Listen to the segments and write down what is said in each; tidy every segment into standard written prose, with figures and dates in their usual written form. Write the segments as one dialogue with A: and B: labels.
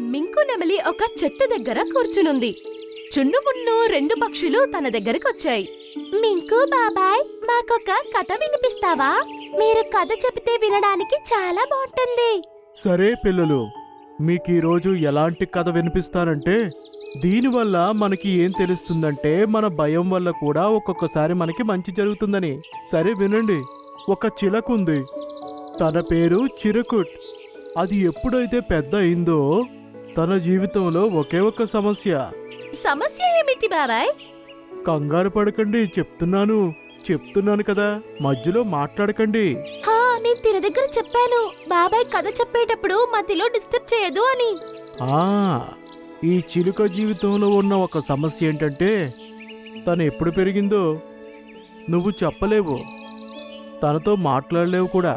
A: మింకు నెమలి ఒక చెట్టు దగ్గర కూర్చునుంది. చున్నుమున్ను రెండు పక్షులు తన దగ్గరకొచ్చాయి. మింకు బాబాయ్, మాకొక కథ వినిపిస్తావా? మీరు కథ చెబితే వినడానికి చాలా బాగుంటుంది.
B: సరే పిల్లలు, మీకీరోజు ఎలాంటి కథ వినిపిస్తానంటే, దీనివల్ల మనకి ఏం తెలుస్తుందంటే మన భయం వల్ల కూడా ఒక్కొక్కసారి మనకి మంచి జరుగుతుందని. సరే వినండి. ఒక చిలకుంది. తన పేరు చిరుకుట్. అది ఎప్పుడైతే పెద్ద అయిందో తన జీవితంలో ఒకే ఒక
A: సమస్య ఏమిటి బాబాయ్?
B: కంగారు పడకండి, చెప్తున్నాను కదా, మధ్యలో మాట్లాడకండి.
A: నేను తిన దగ్గర చెప్పాను, బాబాయ్ కథ చెప్పేటప్పుడు మధ్యలో డిస్టర్బ్ చేయదు అని.
B: ఈ చిలుక జీవితంలో ఉన్న ఒక సమస్య ఏంటంటే, తను ఎప్పుడు పెరిగిందో నువ్వు చెప్పలేవు, తనతో మాట్లాడలేవు కూడా.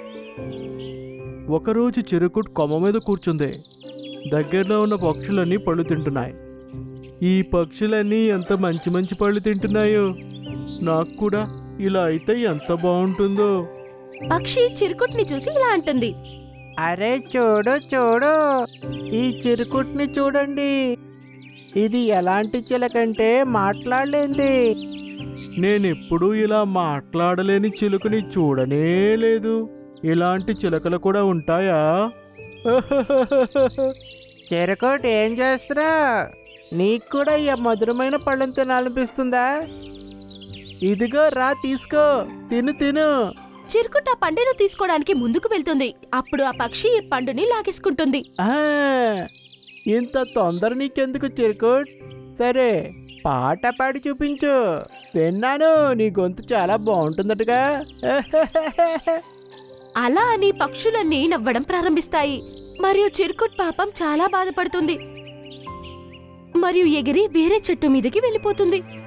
B: ఒకరోజు చిరుకుట్ కొమ్మ మీద కూర్చుంది. దగ్గరలో ఉన్న పక్షులన్నీ పళ్ళు తింటున్నాయి. ఈ పక్షులన్నీ ఎంత మంచి మంచి పళ్ళు తింటున్నాయో, నాకు కూడా ఇలా అయితే ఎంత బాగుంటుందో.
A: పక్షి చిరుకుట్ని చూసి ఇలా అంటుంది,
C: అరే చూడు చూడు, ఈ చిరుకుట్ని చూడండి. ఇది ఎలాంటి చిలకంటే మాట్లాడలేంది.
B: నేనెప్పుడూ ఇలా మాట్లాడలేని చిలుకని చూడనే లేదు. ఇలాంటి చిలకలు కూడా ఉంటాయా?
C: చిరుకుట్ ఏం చేస్తున్నా? నీకు కూడా ఈ మధురమైన పళ్ళని తినాలనిపిస్తుందా? ఇదిగో రా, తీసుకో, తిను.
A: చిరుకుట్ ఆ పండును తీసుకోవడానికి ముందుకు వెళ్తుంది. అప్పుడు ఆ పక్షి ఈ పండుని లాగేసుకుంటుంది.
C: ఇంత తొందర నీకెందుకు చిరుకుట్? సరే, పాట పాడి చూపించు. విన్నాను, నీ గొంతు చాలా బాగుంటుందటగా.
A: అలా అని పక్షులన్నీ నవ్వడం ప్రారంభిస్తాయి. మరియు చిరుకుట్ పాపం చాలా బాధపడుతుంది మరియు ఎగిరి వేరే చెట్టు మీదకి వెళ్ళిపోతుంది.